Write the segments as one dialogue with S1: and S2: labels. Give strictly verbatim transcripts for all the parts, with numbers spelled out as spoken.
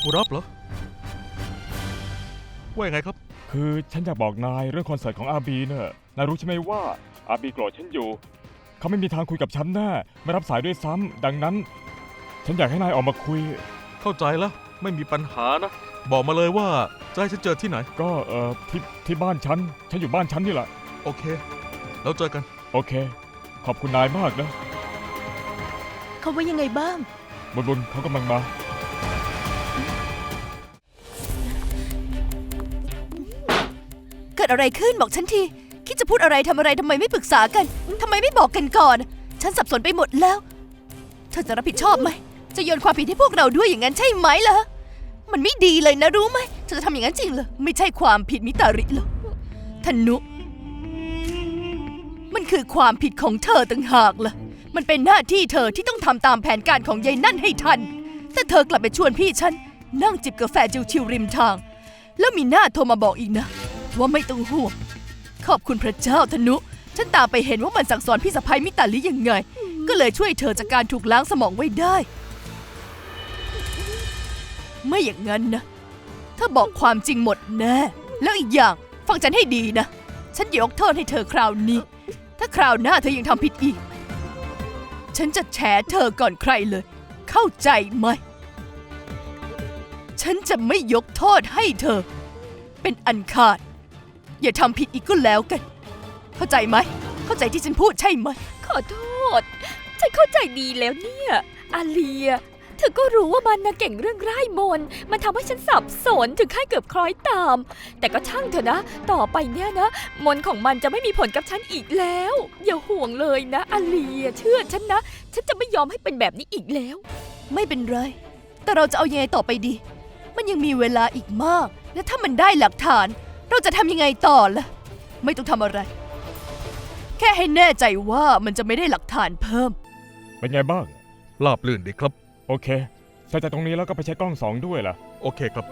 S1: ผู้รับเหรอว่ายังไงครับ
S2: คือฉันอยากบอกนายเรื่องคอนเสิร์ตของอาบีเนอะนายรู้ใช่ไหมว่าอาบีโกรธฉันอยู่เขาไม่มีทางคุยกับฉันแน่ไม่รับสายด้วยซ้ำดังนั้นฉันอยากให้นายออกมาคุย
S1: เข้าใจแล้วไม่มีปัญหานะบอกมาเลยว่าจะให้ฉันเจอที่ไหน
S2: ก็เอ่อที่ที่บ้านฉันฉันอยู่บ้านฉันนี่แหละ
S1: โอเคแล้วเจอกัน
S2: โอเคขอบคุณนายมากนะ
S3: เขาว่ายังไงบ้าง
S2: บุญบุญเขากำลังมา
S3: เกิดอะไรขึ้นบอกฉันทีคิดจะพูดอะไรทำอะไรทำไมไม่ปรึกษากันทำไมไม่บอกกันก่อนฉันสับสนไปหมดแล้วเธอจะรับผิดชอบไหมจะโยนความผิดให้พวกเราด้วยอย่างนั้นใช่ไหมล่ะมันไม่ดีเลยนะรู้ไหมเธอจะทำอย่างนั้นจริงเหรอไม่ใช่ความผิดมิตาริหรอกธนุมันคือความผิดของเธอต่างหากล่ะมันเป็นหน้าที่เธอที่ต้องทำตามแผนการของยายนั่นให้ทันแต่เธอกลับไปชวนพี่ฉันนั่งจิบกาแฟชิวๆริมทางแล้วมีหน้าโทรมาบอกอีกนะว่าไม่ต้องห่วงขอบคุณพระเจ้าธนุฉันตามไปเห็นว่ามันสั่งสอนพี่สะใภ้มิตาลิยังไงก็เลยช่วยเธอจากการถูกล้างสมองไว้ได้ไม่อย่างนั้นนะถ้าบอกความจริงหมดแน่แล้วอีกอย่างฟังฉันให้ดีนะฉันยกโทษให้เธอคราวนี้ถ้าคราวหน้าเธอยังทำผิดอีกฉันจะแฉเธอก่อนใครเลยเข้าใจไหมฉันจะไม่ยกโทษให้เธอเป็นอันขาดอย่าทำผิดอีกก็แล้วกันเข้าใจไหมเข้าใจที่ฉันพูดใช่ไหม
S4: ขอโทษฉันเข้าใจดีแล้วเนี่ยอาเลียเธอก็รู้ว่ามันนะเก่งเรื่องร่ายมนต์มันทำให้ฉันสับสนถึงขั้นเกือบคล้อยตามแต่ก็ช่างเถอะนะต่อไปเนี่ยนะมนต์ของมันจะไม่มีผลกับฉันอีกแล้วอย่าห่วงเลยนะอาเลียเชื่อฉันนะฉันจะไม่ยอมให้เป็นแบบนี้อีกแล้ว
S3: ไม่เป็นไรแต่เราจะเอายังไงต่อไปดีมันยังมีเวลาอีกมากและถ้ามันได้หลักฐานเราจะทำยังไงต่อล่ะไม่ต้องทำอะไรแค่ให้แน่ใจว่ามันจะไม่ได้หลักฐานเพิ่ม
S2: เป็นไงบ้าง
S1: ราบรื่นดีครับ
S2: โอเคใส่จากตรงนี้แล้วก็ไปใช้กล้องสองด้วยล่ะ
S1: โอเคครับ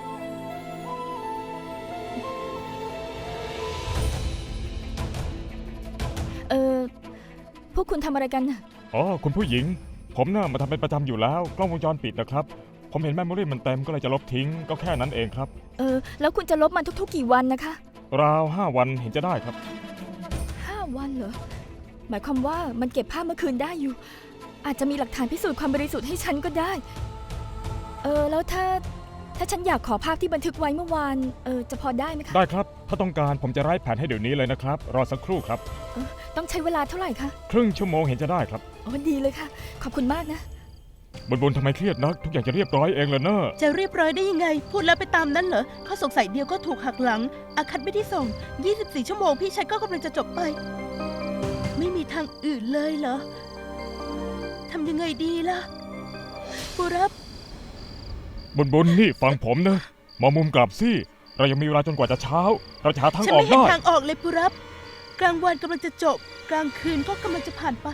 S4: เออพวกคุณทำอะไรกันน่ะ
S2: อ๋อคุณผู้หญิงผมน่ะมาทำเป็นประจำอยู่แล้วกล้องวงจรปิดนะครับผมเห็นแมมโมรี่มันเต็มก็เลยจะลบทิ้งก็แค่นั้นเองครับ
S4: เออแล้วคุณจะลบมันทุกๆกี่วันนะคะ
S2: ราวห้าวันเห็นจะได้ครับ
S4: ห้าวันเหรอหมายความว่ามันเก็บภาพเมื่อคืนได้อยู่อาจจะมีหลักฐานพิสูจน์ความบริสุทธิ์ให้ฉันก็ได้เออแล้วถ้าถ้าฉันอยากขอภาพที่บันทึกไว้เมื่อวานเออจะพอได้ไหมคะ
S2: ได้ครับถ้าต้องการผมจะไล่แผนให้เดี๋ยวนี้เลยนะครับรอสักครู่ครับ
S4: เออต้องใช้เวลาเท่าไหร่คะ
S2: ครึ่งชั่วโมงเห็นจะได้ครับ
S4: อ๋อดีเลยค่ะขอบคุณมากนะ
S2: บนบนทำไมเครียดนักทุกอย่างจะเรียบร้อยเองเลยเนอะ
S3: จะเรียบร้อยได้ยังไงพูดแล้วไปตามนั้นเหรอข้อสงสัยเดียวก็ถูกหักหลังอาคัดไม่ได้ส่งยี่สิบสี่ชั่วโมงพี่ชายก็กำลังจะจบไปไม่มีทางอื่นเลยเหรอทำยังไงดีล่ะปูรับบ
S2: นบนนี่ฟังผมนะมองมุมกลับสิเรายังมีเวลาจนกว่าจะเช้าเราจะหาทางออกได้
S3: ฉันไม่เห็นทางออกเลยปูรับกลางวันกำลังจะจบกลางคืนก็กำลังจะผ่านไป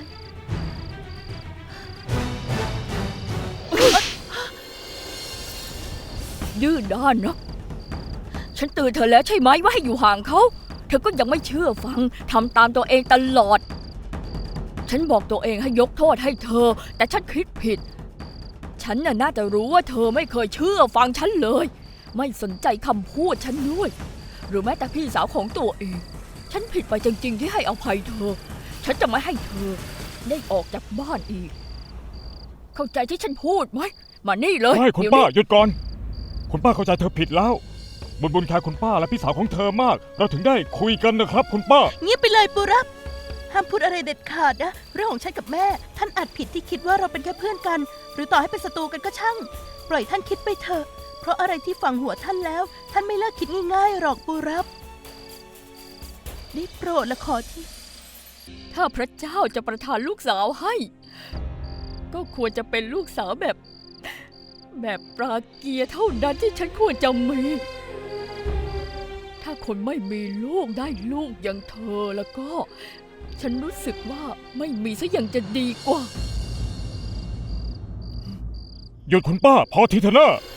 S4: ดื้อด้านนะฉันเตือนเธอแล้วใช่ไหมว่าให้อยู่ห่างเขาเธอก็ยังไม่เชื่อฟังทำตามตัวเองตลอดฉันบอกตัวเองให้ยกโทษให้เธอแต่ฉันคิดผิดฉันน่ะน่าจะรู้ว่าเธอไม่เคยเชื่อฟังฉันเลยไม่สนใจคำพูดฉันด้วยหรือแม้แต่พี่สาวของตัวเองฉันผิดไปจริงๆที่ให้อภัยเธอฉันจะไม่ให้เธอได้ออกจากบ้านอีกเข้าใจที่ฉันพูดไหมมานี่เลย
S2: ไม่คุณป้าหยุดก่อนคุณป้าเข้าใจเธอผิดแล้วบุญบุญแคร์คุณป้าและพี่สาวของเธอมากเราถึงได้คุยกันนะครับคุณป้า
S3: เงียบไปเลยปูรับห้ามพูดอะไรเด็ดขาดนะเรื่องของฉันกับแม่ท่านอาจผิดที่คิดว่าเราเป็นแค่เพื่อนกันหรือต่อให้เป็นศัตรูกันก็ช่างปล่อยท่านคิดไปเถอะเพราะอะไรที่ฝังหัวท่านแล้วท่านไม่เลิกคิดง่ายๆหรอกปูรับได้โปรดและขอที่
S4: ถ้าพระเจ้าจะประทานลูกสาวให้ก็ควรจะเป็นลูกสาวแบบแบบปราเกียร์เท่านั้นที่ฉันควรจะมีถ้าคนไม่มีลูกได้ลูกอย่างเธอแล้วก็ฉันรู้สึกว่าไม่มีซะยังจะดีกว่า
S2: หยุดคุณป้าพอทีเถอะนะ